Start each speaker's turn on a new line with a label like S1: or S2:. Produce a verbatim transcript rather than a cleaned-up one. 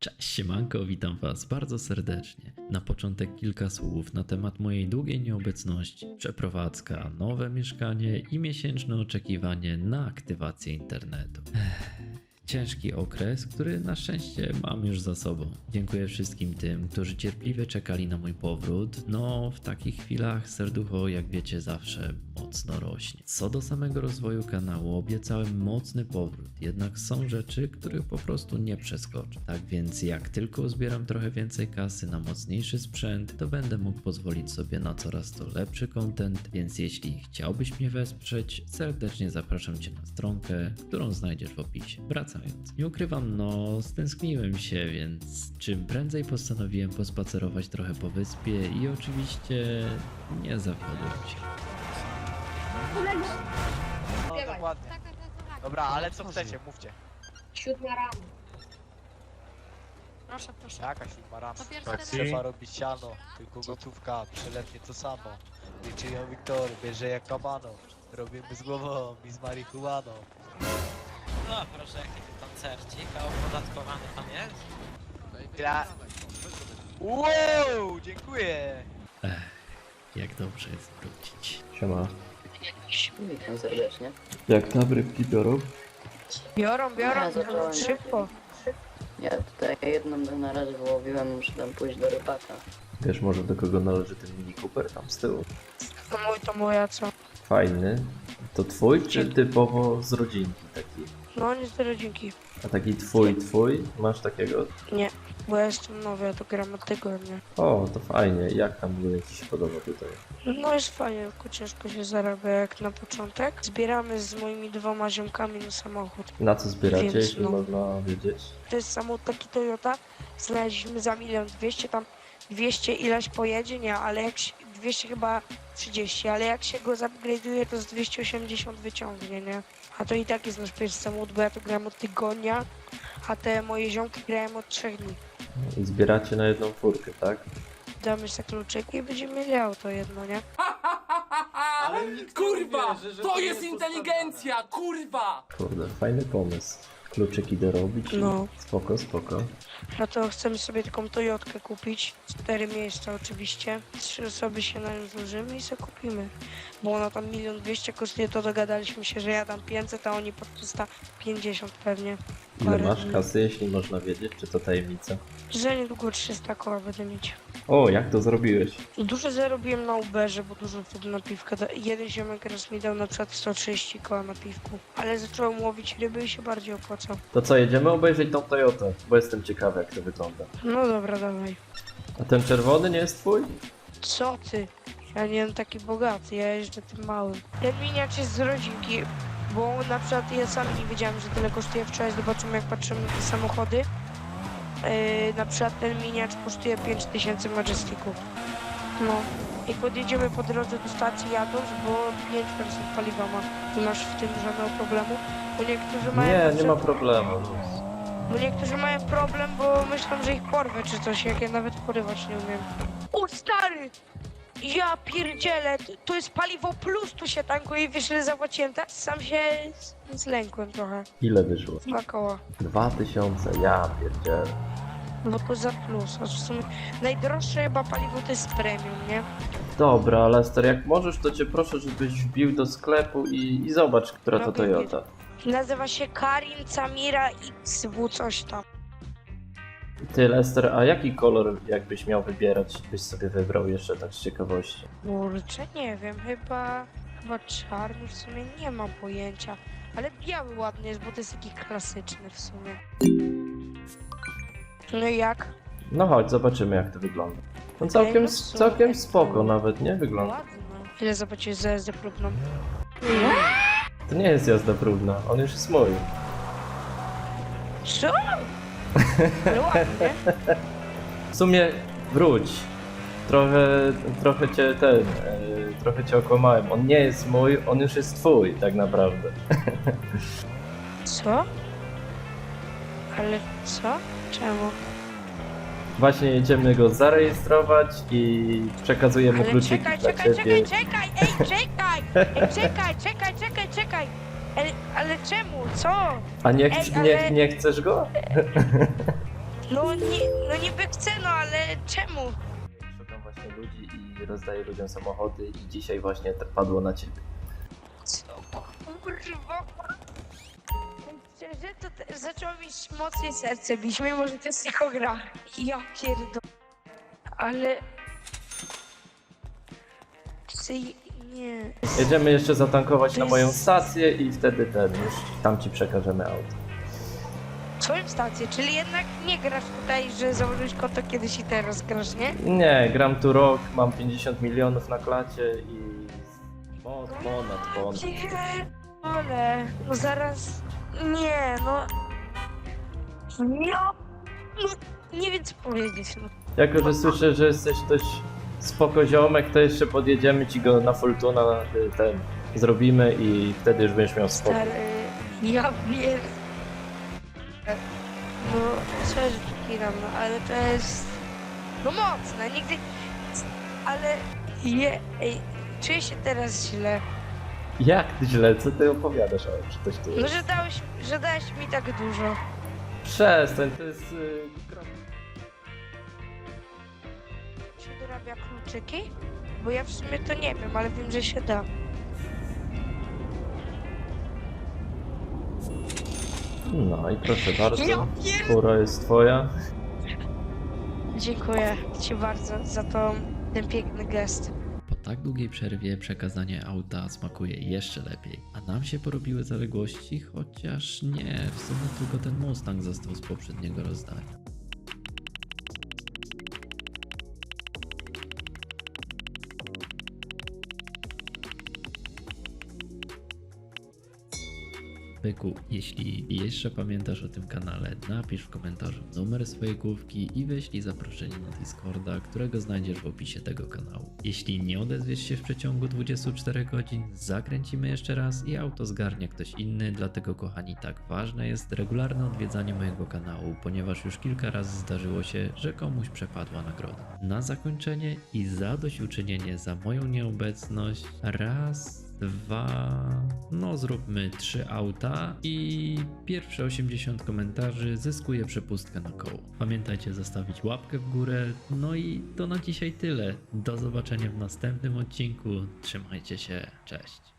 S1: Cześć, siemanko, witam was bardzo serdecznie. Na początek kilka słów na temat mojej długiej nieobecności, przeprowadzka, nowe mieszkanie i miesięczne oczekiwanie na aktywację internetu. Ech. Ciężki okres, który na szczęście mam już za sobą. Dziękuję wszystkim tym, którzy cierpliwie czekali na mój powrót. No, w takich chwilach serducho, jak wiecie, zawsze mocno rośnie. Co do samego rozwoju kanału, obiecałem mocny powrót, jednak są rzeczy, których po prostu nie przeskoczę. Tak więc jak tylko zbieram trochę więcej kasy na mocniejszy sprzęt, to będę mógł pozwolić sobie na coraz to lepszy content, więc jeśli chciałbyś mnie wesprzeć, serdecznie zapraszam cię na stronkę, którą znajdziesz w opisie. Wracając. Nie ukrywam, no stęskniłem się, więc czym prędzej postanowiłem pospacerować trochę po wyspie i oczywiście nie zawiodłem się.
S2: No, dokładnie. Dobra, ale co chcecie, mówcie.
S3: Siódma rano.
S4: Proszę, proszę.
S2: Jaka siódma rano?
S4: To pierwszy
S5: Taksi.
S2: Trzeba robić siano, tylko gotówka, przelewnie to samo. Liczyją Wiktory, bierze jak kabano. Robimy z głową i z marihuaną.
S6: No proszę, jaki tu koncercik, a opodatkowany pan jest?
S2: Dla... Wow, dziękuję!
S1: Ech, jak dobrze jest wrócić.
S5: Siema.
S3: Witam serdecznie.
S5: Jak tam rybki biorą?
S4: Biorą,
S3: Ja
S4: biorą,
S3: zacząłem.
S4: szybko.
S3: Ja tutaj jedną na razie wyłowiłem, muszę tam pójść do rybaka.
S5: Wiesz może do kogo należy ten Mini Cooper tam z tyłu?
S4: To mój, to moja, co?
S5: Fajny. To twój czy typowo z rodzinki taki?
S4: No nie z rodzinki.
S5: A taki twój, twój? Masz takiego?
S4: Nie, bo ja jestem nowy, ja to gram od tygodnia.
S5: O, to fajnie. Jak tam w ogóle ci się podoba tutaj?
S4: No jest fajnie, tylko ciężko się zarabia jak na początek. Zbieramy z moimi dwoma ziomkami na samochód.
S5: Na co zbieracie,
S4: Więc
S5: jeśli
S4: no.
S5: można wiedzieć?
S4: To jest samochód taki Toyota, znaleźliśmy za milion dwieście, tam dwieście ileś pojedzie, nie, ale jak się, dwieście chyba trzydzieści, ale jak się go zupgrade'uje, to z dwieście osiemdziesiąt wyciągnie, nie? A to i tak jest nasz pierwszy samochód, bo ja to gram od tygodnia, a te moje ziomki grają od trzech dni.
S5: I zbieracie na jedną furkę, tak?
S4: Damy sobie kluczyki i będziemy mieli auto jedno, nie?
S7: Kurwa! To jest inteligencja! Kurwa!
S5: Kurde, fajny pomysł. Kluczyki dorobić i
S4: No.
S5: spoko, spoko.
S4: No to chcemy sobie taką Toyotkę kupić, cztery miejsca oczywiście, trzy osoby się na nią złożymy i sobie kupimy. Bo ona tam milion dwieście kosztuje, to dogadaliśmy się, że ja dam pięćset, a oni po trzysta pięćdziesiąt pewnie.
S5: Ile
S4: Parę
S5: masz
S4: dni.
S5: kasy, jeśli można wiedzieć, czy to tajemnica?
S4: Że niedługo trzysta koła będę mieć.
S5: O, jak to zrobiłeś?
S4: Dużo zarobiłem na Uberze, bo dużo wtedy na piwkę. da- Jeden ziomek raz mi dał na przykład sto trzydzieści koła na piwku. Ale zacząłem łowić ryby i się bardziej opłacał.
S5: To co, jedziemy obejrzeć tą Toyotę, bo jestem ciekawy jak to wygląda.
S4: No dobra, dawaj.
S5: A ten czerwony nie jest twój?
S4: Co ty? Ja nie wiem taki bogaty, ja jeżdżę tym małym. Ten miniacz jest z rodzinki, bo na przykład ja sam nie wiedziałem, że tyle kosztuje. Wczoraj zobaczymy, jak patrzymy na te samochody. Yy, na przykład ten miniacz kosztuje pięć tysięcy Majestików. No. I podjedziemy po drodze do stacji jadąc, bo pięć procent paliwa ma. Nie masz w tym żadnego problemu. Bo niektórzy mają...
S5: Nie,
S4: na
S5: nie ma
S4: przykład-
S5: problemu.
S4: Bo niektórzy mają problem, bo myślą, że ich porwę czy coś, jak ja nawet porywać nie umiem. O stary! Ja pierdzielę, t- to jest paliwo plus, tu się tankuje i wiesz ile zapłaciłem, tak? Sam się z- zlękłem trochę.
S5: Ile wyszło?
S4: Dwa koła.
S5: Dwa tysiące, ja pierdzielę.
S4: No to za plus, a w sumie najdroższe chyba paliwo to jest premium, nie?
S5: Dobra, Lester, jak możesz, to cię proszę, żebyś wbił do sklepu i, i zobacz, która to
S4: Robię
S5: Toyota.
S4: Nazywa się Karin Camira X W coś tam.
S5: Ty, Lester, a jaki kolor jakbyś miał wybierać, byś sobie wybrał jeszcze tak z ciekawości?
S4: Kurczę, nie wiem, chyba... Chyba czarny w sumie, nie mam pojęcia. Ale biały ładny jest, bo to jest taki klasyczny w sumie. No i jak?
S5: No chodź, zobaczymy jak to wygląda. No całkiem,
S4: no super.
S5: całkiem spoko nawet, nie? Wygląda.
S4: Ładny. Ile zapłaciłeś za jazdę próbną?
S5: To nie jest jazda próbna, on już jest mój.
S4: Co? Ale ładnie.
S5: W sumie wróć. Trochę, trochę cię ten, e, trochę cię okłamałem. On nie jest mój, on już jest twój, tak naprawdę.
S4: Co? Ale co? Czemu?
S5: Właśnie jedziemy go zarejestrować i przekazujemy
S4: Ale
S5: kluczyki
S4: czekaj,
S5: dla
S4: czekaj,
S5: ciebie.
S4: czekaj, czekaj, ej, czekaj! Ej, czekaj, czekaj, czekaj, czekaj! Ale, ale czemu? Co?
S5: A nie,
S4: Ej,
S5: ch-
S4: ale-
S5: nie, nie chcesz go?
S4: No, nie, no niby chcę, no ale czemu?
S5: Szukam właśnie ludzi i rozdaję ludziom samochody i dzisiaj właśnie to padło na ciebie.
S4: Co? Kurwa. Szczerze, to te, zaczęło mi mocniej serce bić, mimo że to jest tylko gra. Ja pierdolę. Ale... Psy- Nie.
S5: Jedziemy jeszcze zatankować
S4: To
S5: na
S4: jest-
S5: moją stację i wtedy ten, już tam ci przekażemy auto.
S4: Swoją stację, czyli jednak nie grasz tutaj, że założyłeś konto kiedyś i teraz grasz, nie?
S5: Nie, gram tu rok, mam pięćdziesiąt milionów na klacie i mo- ponad, ponad.
S4: Ale no zaraz. Nie, no. Ja. No, nie wiem co powiedzieć. No.
S5: Jako, że słyszę, że jesteś dość spoko ziomek, to jeszcze podjedziemy ci go na Fortuna, y, ten zrobimy i wtedy już będziesz miał spokój.
S4: Stary, ja wiem. No, coś kinam, no ale to jest. No mocne, nigdy. Ale. Je, ej, czuję się teraz źle.
S5: Jak źle, co ty opowiadasz, o że coś tu
S4: No,
S5: jest?
S4: że dałeś, że dałeś mi tak dużo.
S5: Przestań, to jest... y, gra-
S4: Się dorabia kluczyki? Bo ja w sumie to nie wiem, ale wiem, że się da.
S5: No i proszę bardzo,
S4: Ja pier...
S5: fura jest twoja.
S4: Dziękuję ci bardzo za to, ten piękny gest.
S1: Po tak długiej przerwie przekazanie auta smakuje jeszcze lepiej, a nam się porobiły zaległości, chociaż nie, w sumie tylko ten Mustang został z poprzedniego rozdania. Byku, jeśli jeszcze pamiętasz o tym kanale, napisz w komentarzu numer swojej główki i wyślij zaproszenie na Discorda, którego znajdziesz w opisie tego kanału. Jeśli nie odezwiesz się w przeciągu dwudziestu czterech godzin, zakręcimy jeszcze raz i auto zgarnie ktoś inny, dlatego kochani, tak ważne jest regularne odwiedzanie mojego kanału, ponieważ już kilka razy zdarzyło się, że komuś przepadła nagroda. Na zakończenie i zadośćuczynienie za moją nieobecność, raz, dwa, no zróbmy trzy auta i pierwsze osiemdziesiąt komentarzy zyskuje przepustkę na koło. Pamiętajcie zostawić łapkę w górę, no i to na dzisiaj tyle. Do zobaczenia w następnym odcinku, trzymajcie się, cześć.